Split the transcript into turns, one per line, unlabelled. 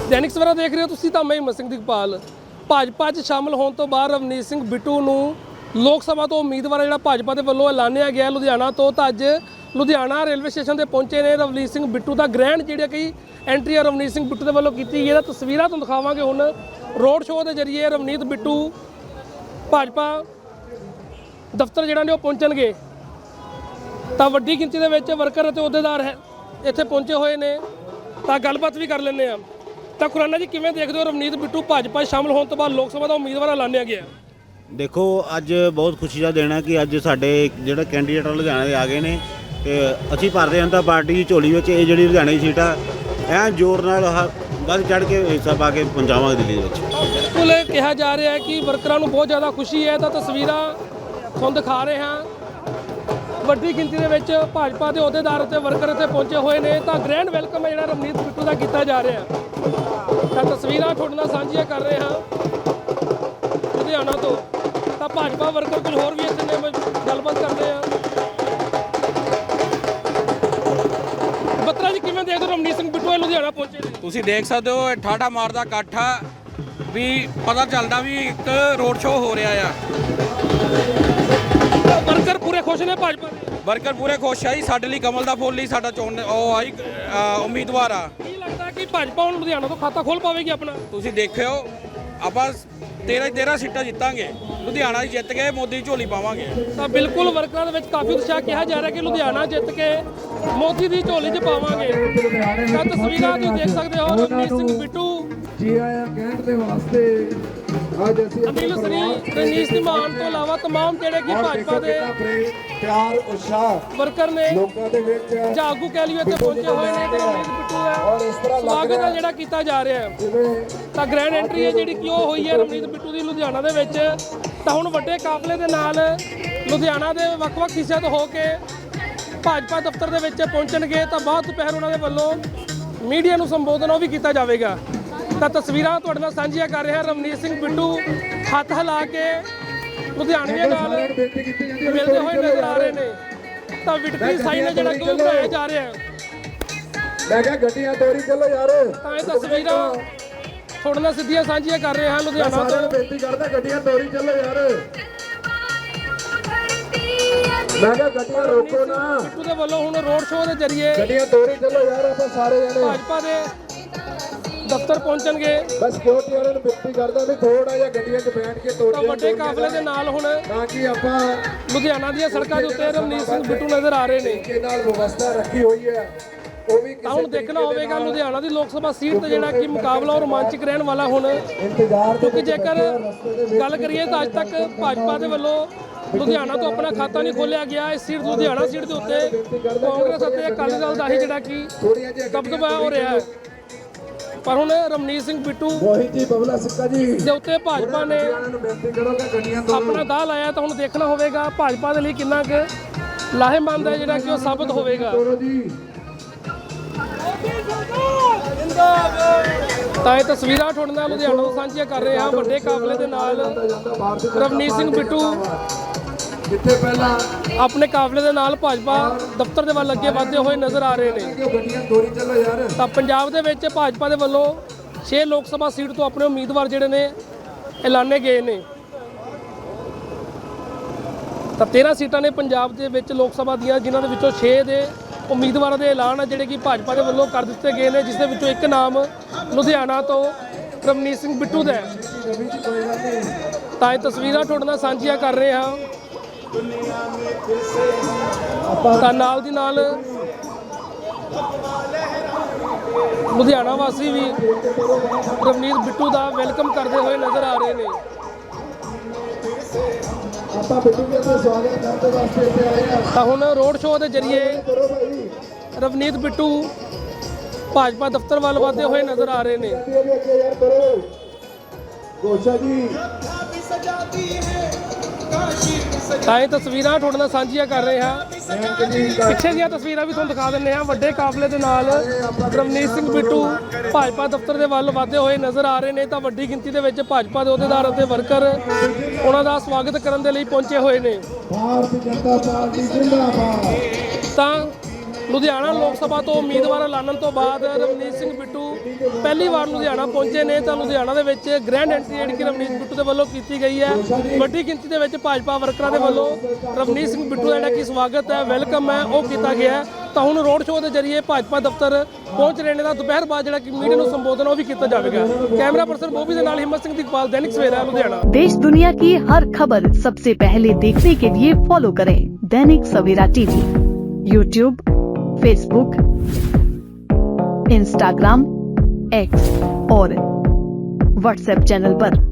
दैनिक सवेरा देख रहे हो तुसीं तां मैं हिम्मत सिंह दिगपाल। भाजपा 'ਚ शामिल होने तो बाद रवनीत सिंह बिट्टू ਨੂੰ ਲੋਕ ਸਭਾ ਤੋਂ ਉਮੀਦਵਾਰ ਜਿਹੜਾ ਭਾਜਪਾ ਦੇ ਵੱਲੋਂ ਐਲਾਨਿਆ ਗਿਆ ਲੁਧਿਆਣਾ ਤੋਂ। ਤਾਂ ਅੱਜ ਲੁਧਿਆਣਾ ਰੇਲਵੇ ਸਟੇਸ਼ਨ ਤੇ ਪਹੁੰਚੇ ਨੇ ਰਵਨੀਤ ਸਿੰਘ ਬਿੱਟੂ ਦਾ ਗ੍ਰੈਂਡ ਜਿਹੜਾ ਕਿ ਐਂਟਰੀ ਆ ਰਵਨੀਤ ਸਿੰਘ ਬਿੱਟੂ ਦੇ ਵੱਲੋਂ ਕੀਤੀ ਗਈ ਹੈ। ਤਸਵੀਰਾਂ ਤੁਹਾਨੂੰ ਦਿਖਾਵਾਂਗੇ ਹੁਣ ਰੋਡ ਸ਼ੋਅ ਦੇ ਜ਼ਰੀਏ ਰਵਨੀਤ ਬਿੱਟੂ ਭਾਜਪਾ ਦਫ਼ਤਰ ਜਿਹੜਾ ਨੇ ਉਹ ਪਹੁੰਚਣਗੇ। ਤਾਂ ਵੱਡੀ ਗਿਣਤੀ ਦੇ ਵਿੱਚ ਵਰਕਰ ਅਤੇ ਅਹੁਦੇਦਾਰ ਹੈ ਇੱਥੇ ਪਹੁੰਚੇ ਹੋਏ ਨੇ। ਤਾਂ ਗੱਲਬਾਤ ਵੀ ਕਰ ਲੈਂਦੇ ਆ। ਤਾਂ ਖੁਰਾਨਾ ਜੀ ਕਿਵੇਂ ਦੇਖਦੇ ਹੋ ਰਵਨੀਤ ਬਿੱਟੂ ਭਾਜਪਾ ਸ਼ਾਮਲ ਹੋਣ ਤੋਂ ਬਾਅਦ ਲੋਕ ਸਭਾ ਦਾ ਉਮੀਦਵਾਰ ਐਲਾਨਿਆ ਗਿਆ?
देखो अज बहुत खुशी का दिन है कि अज साडे जिहड़े कैंਡੀਡੇਟ लुधियाना दे आ गए ने ते असीं भारतीय जनता पार्टी की झोली विच इह जिहड़ी लुधियाना की सीट आ ऐन जोर नाल वध चढ़ के हिस्सा पा के पहुंचावांगे दिल्ली दे विच।
बिल्कुल कहा जा रहा है कि वर्करां नूं बहुत ज़्यादा खुशी है। तो तस्वीरां तुहानूं दिखा रहे हैं ਵੱਡੀ ਗਿਣਤੀ ਦੇ ਵਿੱਚ ਭਾਜਪਾ ਦੇ ਅਹੁਦੇਦਾਰ ਅਤੇ ਵਰਕਰ ਇੱਥੇ ਪਹੁੰਚੇ ਹੋਏ ਨੇ। ਤਾਂ ਗ੍ਰੈਂਡ ਵੈਲਕਮ ਹੈ ਜਿਹੜਾ ਰਵਨੀਤ ਬਿੱਟੂ ਦਾ ਕੀਤਾ ਜਾ ਰਿਹਾ। ਤਾਂ ਤਸਵੀਰਾਂ ਤੁਹਾਡੇ ਨਾਲ ਸਾਂਝੀਆਂ ਕਰ ਰਹੇ ਹਾਂ ਲੁਧਿਆਣਾ ਤੋਂ। ਤਾਂ ਭਾਜਪਾ ਵਰਕਰ ਕੁਝ ਹੋਰ ਵੀ ਇੱਥੇ ਨੇ, ਗੱਲਬਾਤ ਕਰਦੇ ਆ। ਬੱਤਰਾ ਜੀ ਕਿਵੇਂ ਦੇਖਦੇ ਹੋ ਰਵਨੀਤ ਸਿੰਘ ਬਿੱਟੂ ਲੁਧਿਆਣਾ ਪਹੁੰਚੇ ਨੇ?
ਤੁਸੀਂ ਦੇਖ ਸਕਦੇ ਹੋ ਠਾਠਾ ਮਾਰਦਾ ਇਕੱਠ ਆ ਵੀ ਪਤਾ ਚੱਲਦਾ ਵੀ ਇੱਕ ਰੋਡ ਸ਼ੋਅ ਹੋ ਰਿਹਾ ਆ।
ਵਰਕਰ ਪੂਰੇ ਖੁਸ਼ ਨੇ ਭਾਜਪਾ ਦੇ?
ਵਰਕਰ ਪੂਰੇ ਖੁਸ਼ ਆ ਜੀ। ਸਾਡੇ ਲਈ ਕਮਲ ਦਾ ਫੁੱਲ ਹੀ ਸਾਡਾ ਚੋਣ ਉਹ ਆਈ ਉਮੀਦਵਾਰ ਆ।
ਕੀ ਲੱਗਦਾ ਕਿ ਭਾਜਪਾ ਹੁਣ ਲੁਧਿਆਣਾ ਤੋਂ ਖਾਤਾ ਖੋਲ ਪਾਵੇਗੀ ਆਪਣਾ?
ਤੁਸੀਂ ਦੇਖਿਓ ਆਪਾਂ 13 ਸੀਟਾਂ ਜਿੱਤਾਂਗੇ। ਲੁਧਿਆਣਾ ਜਿੱਤ ਕੇ ਮੋਦੀ ਦੀ ਝੋਲੀ ਪਾਵਾਂਗੇ।
ਤਾਂ ਬਿਲਕੁਲ ਵਰਕਰਾਂ ਦੇ ਵਿੱਚ ਕਾਫੀ ਉਤਸ਼ਾਹ ਕਿਹਾ ਜਾ ਰਿਹਾ ਕਿ ਲੁਧਿਆਣਾ ਜਿੱਤ ਕੇ ਮੋਦੀ ਦੀ ਝੋਲੀ 'ਚ ਪਾਵਾਂਗੇ। ਤਾਂ ਤਸਵੀਰਾਂ ਤੁਸੀਂ ਦੇਖ ਸਕਦੇ ਹੋ ਰਵਨੀਤ ਸਿੰਘ ਬਿੱਟੂ
ਜੀ ਆਇਆਂ ਕਹਿਣ ਦੇ ਵਾਸਤੇ ਅੱਜ ਅਸੀਂ
ਅਮੀਲ ਸਰੀ ਰਣਜੀਤ ਸਿੰਘ ਮਾਨ ਤੋਂ ਇਲਾਵਾ ਤਮਾਮ ਜਿਹੜੇ ਕਿ ਭਾਜਪਾ ਦੇ
ਪਿਆਰ ਉਤਸ਼ਾਹ
ਵਰਕਰ ਨੇ
ਲੋਕਾਂ ਦੇ ਵਿੱਚ
ਜਾਂ ਆਗੂ ਕਹਿ ਲਈਏ ਇੱਥੇ ਪਹੁੰਚੇ ਹੋਏ ਨੇ। ਤੇ ਰਵਨੀਤ ਬਿੱਟੂ
ਔਰ ਇਸ ਤਰ੍ਹਾਂ
ਦਾ ਸਵਾਗਤ ਹੈ ਜਿਹੜਾ ਕੀਤਾ ਜਾ ਰਿਹਾ ਹੈ।
ਜਿਵੇਂ
ਤਾਂ ਗ੍ਰੈਂਡ ਐਂਟਰੀ ਹੈ ਜਿਹੜੀ ਕਿ ਉਹ ਹੋਈ ਹੈ ਰਵਨੀਤ ਬਿੱਟੂ ਦੀ ਲੁਧਿਆਣਾ ਦੇ ਵਿੱਚ। ਤਾਂ ਹੁਣ ਵੱਡੇ ਕਾਫਲੇ ਦੇ ਨਾਲ ਲੁਧਿਆਣਾ ਦੇ ਵੱਖ-ਵੱਖ ਹਿੱਸਿਆਂ ਤੋਂ ਹੋ ਕੇ ਭਾਜਪਾ ਦਫ਼ਤਰ ਦੇ ਵਿੱਚ ਪਹੁੰਚਣਗੇ। ਤਾਂ ਬਾਅਦ ਦੁਪਹਿਰ ਉਹਨਾਂ ਦੇ ਵੱਲੋਂ ਮੀਡੀਆ ਨੂੰ ਸੰਬੋਧਨ ਉਹ ਵੀ ਕੀਤਾ ਜਾਵੇਗਾ। ਤਾਂ ਤਸਵੀਰਾਂ ਤੁਹਾਡੇ ਨਾਲ ਸਾਂਝੀਆਂ ਕਰ ਰਿਹਾ ਰਵਨੀਤ ਸਿੰਘ ਬਿੱਟੂ ਹੱਥ ਹਿਲਾ ਕੇ ਲੁਧਿਆਣੀਆਂ ਨਾਲ ਮਿਲਦੇ ਹੋਏ ਨਜ਼ਰ ਆ ਰਹੇ ਨੇ। ਤਾਂ ਵਿਟਕਰੀ ਸਾਈਨ ਹੈ ਜਿਹੜਾ ਕਿ ਬਣਾਇਆ ਜਾ ਰਿਹਾ ਹੈ।
ਮੈਂ ਕਿਹਾ ਗੱਡੀਆਂ ਤੋਰੀ ਚੱਲੋ ਯਾਰ।
ਤਾਂ ਇਹ ਤਸਵੀਰਾਂ ਤੁਹਾਡੇ ਨਾਲ ਸਿੱਧੀਆਂ ਸਾਂਝੀਆਂ ਕਰ ਰਹੇ ਹਾਂ ਲੁਧਿਆਣਾ
ਸਾਰਿਆਂ ਨੂੰ
ਤੋਂ।
ਬੇਨਤੀ ਕਰਦਾ ਗੱਡੀਆਂ ਤੋਰੀ ਚੱਲੋ ਯਾਰ। ਮੈਂ ਕਿਹਾ ਗੱਡੀਆਂ ਰੋਕੋ ਨਾ।
ਬਿੱਟੂ ਦੇ ਵੱਲੋਂ ਹੁਣ ਰੋਡ ਸ਼ੋਅ ਦੇ ਜ਼ਰੀਏ
ਗੱਡੀਆਂ ਤੋਰੀ ਚੱਲੋ ਯਾਰ। ਆਪਾਂ ਸਾਰੇ ਜਣੇ
ਭਾਜਪਾ ਦੇ ਦਫ਼ਤਰ ਪਹੁੰਚਣਗੇ।
ਬਸ ਸਿਕਿਉਰਿਟੀ ਵਾਲਿਆਂ ਨੂੰ ਬੇਨਤੀ ਕਰਦਾ ਵੀ ਥੋੜਾ ਜਿਹਾ ਗੱਡੀਆਂ 'ਚ ਬੈਠ ਕੇ ਤੋਰੀ
ਤਾਂ ਵੱਡੇ ਕਾਫਲੇ ਦੇ ਨਾਲ ਹੁਣ
ਤਾਂ ਕਿ ਆਪਾਂ
ਲੁਧਿਆਣਾ ਦੀਆਂ ਸੜਕਾਂ ਦੇ ਉੱਤੇ ਰਵਨੀਤ ਸਿੰਘ ਬਿੱਟੂ ਨਜ਼ਰ ਆ ਰਹੇ ਨੇ।
ਤਰੀਕੇ ਨਾਲ ਵਿਵਸਥਾ ਰੱਖੀ ਹੋਈ ਹੈ ਉਹ ਵੀ
ਤਾਂ ਹੁਣ ਦੇਖਣਾ ਹੋਵੇਗਾ ਲੁਧਿਆਣਾ ਦੀ ਲੋਕ ਸਭਾ ਸੀਟ ਤੇ ਜਿਹੜਾ ਕਿ ਮੁਕਾਬਲਾ ਉਹ ਰੋਮਾਂਚਕ ਰਹਿਣ ਵਾਲਾ ਹੁਣ।
ਇੰਤਜ਼ਾਰ
ਕਿਉਂਕਿ ਜੇਕਰ ਗੱਲ ਕਰੀਏ ਤਾਂ ਅੱਜ ਤੱਕ ਭਾਜਪਾ ਦੇ ਵੱਲੋਂ ਲੁਧਿਆਣਾ ਤੋਂ ਆਪਣਾ ਖਾਤਾ ਨਹੀਂ ਖੋਲ੍ਹਿਆ ਗਿਆ। ਇਸ ਸੀਟ ਲੁਧਿਆਣਾ ਸੀਟ ਦੇ ਉੱਤੇ ਕਾਂਗਰਸ ਅਤੇ ਅਕਾਲੀ ਦਲ ਦਾ ਹੀ ਜਿਹੜਾ ਕਿ ਦਬਦਬਾ ਹੋ ਰਿਹਾ ਹੈ। ਪਰ ਹੁਣ ਰਵਨੀਤ ਸਿੰਘ ਬਿੱਟੂ
ਮੋਹਿਤ ਜੀ ਬਬਲਾ ਸਿੱਕਾ ਜੀ
ਦੇ ਉੱਤੇ ਭਾਜਪਾ ਨੇ
ਨੂੰ ਬੇਨਤੀ ਕਰੋ ਕਿ ਗੱਡੀਆਂ ਤੋਂ
ਆਪਣਾ ਦਾਅ ਲਾਇਆ। ਤਾਂ ਹੁਣ ਦੇਖਣਾ ਹੋਵੇਗਾ ਭਾਜਪਾ ਦੇ ਲਈ ਕਿੰਨਾ ਕੁ ਲਾਹੇਮੰਦ ਹੈ ਜਿਹੜਾ ਕਿ ਉਹ ਸਾਬਤ ਹੋਵੇਗਾ।
ਤੋਰੋ ਜੀ।
ਤਾਂ ਇਹ ਤਸਵੀਰਾਂ ਤੁਹਾਡੇ ਨਾਲ ਲੁਧਿਆਣਾ ਤੋਂ ਸਾਂਝੀਆਂ ਕਰ ਰਹੇ ਹਾਂ ਵੱਡੇ ਕਾਫਲੇ ਦੇ ਨਾਲ ਰਵਨੀਤ ਸਿੰਘ ਬਿੱਟੂ
ਜਿੱਥੇ ਪਹਿਲਾਂ
ਆਪਣੇ ਕਾਫਲੇ ਦੇ ਨਾਲ ਭਾਜਪਾ ਦਫ਼ਤਰ ਦੇ ਵੱਲ ਅੱਗੇ ਵਧਦੇ ਹੋਏ ਨਜ਼ਰ ਆ ਰਹੇ ਨੇ।
ਕਿ ਉਹ ਗੱਡੀਆਂ ਤੋਰੀ ਚੱਲੋ ਯਾਰ।
ਤਾਂ ਪੰਜਾਬ ਦੇ ਵਿੱਚ ਭਾਜਪਾ ਦੇ ਵੱਲੋਂ 6 ਲੋਕ ਸਭਾ ਸੀਟ ਤੋਂ ਆਪਣੇ ਉਮੀਦਵਾਰ ਜਿਹੜੇ ਨੇ ਐਲਾਨੇ ਗਏ ਨੇ। ਤਾਂ 13 ਸੀਟਾਂ ਨੇ ਪੰਜਾਬ ਦੇ ਵਿੱਚ ਲੋਕ ਸਭਾ ਦੀਆਂ, ਜਿਨ੍ਹਾਂ ਦੇ ਵਿੱਚੋਂ 6 ਦੇ ਉਮੀਦਵਾਰਾਂ ਦੇ ਐਲਾਨ ਆ ਜਿਹੜੇ ਕਿ ਭਾਜਪਾ ਦੇ ਵੱਲੋਂ ਕਰ ਦਿੱਤੇ ਗਏ ਨੇ, ਜਿਸ ਦੇ ਵਿੱਚੋਂ ਇੱਕ ਨਾਮ ਲੁਧਿਆਣਾ ਤੋਂ ਰਵਨੀਤ ਸਿੰਘ ਬਿੱਟੂ ਦਾ ਹੈ। ਤਾਂ ਇਹ ਤਸਵੀਰਾਂ ਤੁਹਾਡੇ ਨਾਲ ਸਾਂਝੀਆਂ ਕਰ ਰਹੇ ਹਾਂ। ਤਾਂ ਨਾਲ ਦੀ ਨਾਲ ਲੁਧਿਆਣਾ ਵਾਸੀ ਵੀ ਰਵਨੀਤ ਬਿੱਟੂ ਦਾ ਵੈਲਕਮ ਕਰਦੇ ਹੋਏ ਨਜ਼ਰ ਆ ਰਹੇ ਨੇ।
ਆਪਾਂ ਬਿੱਟੂ ਜੀ ਦਾ ਸਵਾਗਤ ਕਰਨ ਦੇ ਵਾਸਤੇ ਇੱਥੇ ਆਏ ਆ।
ਤਾਂ ਹੁਣ ਰੋਡ ਸ਼ੋਅ ਦੇ ਜ਼ਰੀਏ
ਕਰੋ ਭਾਈ
ਰਵਨੀਤ ਬਿੱਟੂ ਭਾਜਪਾ ਦਫ਼ਤਰ ਵੱਲ ਵਧਦੇ ਹੋਏ ਨਜ਼ਰ ਆ ਰਹੇ ਨੇ।
ਅੱਗੇ ਯਾਰ ਕਰੋ ਗੋਸ਼ਾ ਜੀ।
ਤਾਂ ਇਹ ਤਸਵੀਰਾਂ ਤੁਹਾਡੇ ਨਾਲ ਸਾਂਝੀਆਂ ਕਰ ਰਹੇ ਹਾਂ। ਪਿੱਛੇ ਦੀਆਂ ਤਸਵੀਰਾਂ ਵੀ ਤੁਹਾਨੂੰ ਦਿਖਾ ਦਿੰਦੇ ਹਾਂ। ਵੱਡੇ ਕਾਫਲੇ ਦੇ ਨਾਲ ਰਵਨੀਤ ਸਿੰਘ ਬਿੱਟੂ ਭਾਜਪਾ ਦਫ਼ਤਰ ਦੇ ਵੱਲ ਵਧਦੇ ਹੋਏ ਨਜ਼ਰ ਆ ਰਹੇ ਨੇ। ਤਾਂ ਵੱਡੀ ਗਿਣਤੀ ਦੇ ਵਿੱਚ ਭਾਜਪਾ ਦੇ ਅਹੁਦੇਦਾਰ ਅਤੇ ਵਰਕਰ ਉਹਨਾਂ ਦਾ ਸਵਾਗਤ ਕਰਨ ਦੇ ਲਈ ਪਹੁੰਚੇ ਹੋਏ ਨੇ।
ਭਾਰਤੀ ਜਨਤਾ ਪਾਰਟੀ ਜ਼ਿੰਦਾਬਾਦ।
ਤਾਂ ਲੁਧਿਆਣਾ ਲੋਕ ਸਭਾ ਤੋਂ ਉਮੀਦਵਾਰ ਐਲਾਨਣ ਤੋਂ ਬਾਅਦ ਰਵਨੀਤ ਸਿੰਘ ਬਿੱਟੂ ਪਹਿਲੀ ਵਾਰ ਲੁਧਿਆਣਾ ਪਹੁੰਚੇ ਨੇ ਤਾਂ ਲੁਧਿਆਣਾ ਦੇ ਵਿੱਚ ਗ੍ਰੈਂਡ ਐਂਟਰੀ ਜਿਹੜੀ ਕਿ ਰਵਨੀਤ ਬਿੱਟੂ ਦੇ ਵੱਲੋਂ ਕੀਤੀ ਗਈ ਹੈ। ਵੱਡੀ ਗਿਣਤੀ ਦੇ ਵਿੱਚ ਭਾਜਪਾ ਵਰਕਰਾਂ ਦੇ ਵੱਲੋਂ ਰਵਨੀਤ ਸਿੰਘ ਬਿੱਟੂ ਦਾ ਜਿਹੜਾ ਕਿ ਸਵਾਗਤ ਹੈ, ਵੈਲਕਮ ਹੈ, ਉਹ ਕੀਤਾ ਗਿਆ ਹੈ। ਤਾਂ ਹੁਣ ਰੋਡ ਸ਼ੋਅ ਦੇ ਜ਼ਰੀਏ ਭਾਜਪਾ ਦਫ਼ਤਰ ਪਹੁੰਚ ਰਹੇ ਨੇ ਤਾਂ ਦੁਪਹਿਰ ਬਾਅਦ ਜਿਹੜਾ ਕਿ ਮੀਡੀਆ ਨੂੰ ਸੰਬੋਧਨ ਉਹ ਵੀ ਕੀਤਾ ਜਾਵੇਗਾ। ਕੈਮਰਾ ਪਰਸਨ ਬੋਬੀ ਦੇ ਨਾਲ ਹਿੰਮਤ ਸਿੰਘ ਦੀਪਾਲ, दैनिक सवेरा लुधियाना।
देश दुनिया की हर खबर सबसे पहले देखने के लिए फॉलो करें Dainik Savera TV, YouTube, Facebook, Instagram, X और व्हाट्सएप चैनल पर।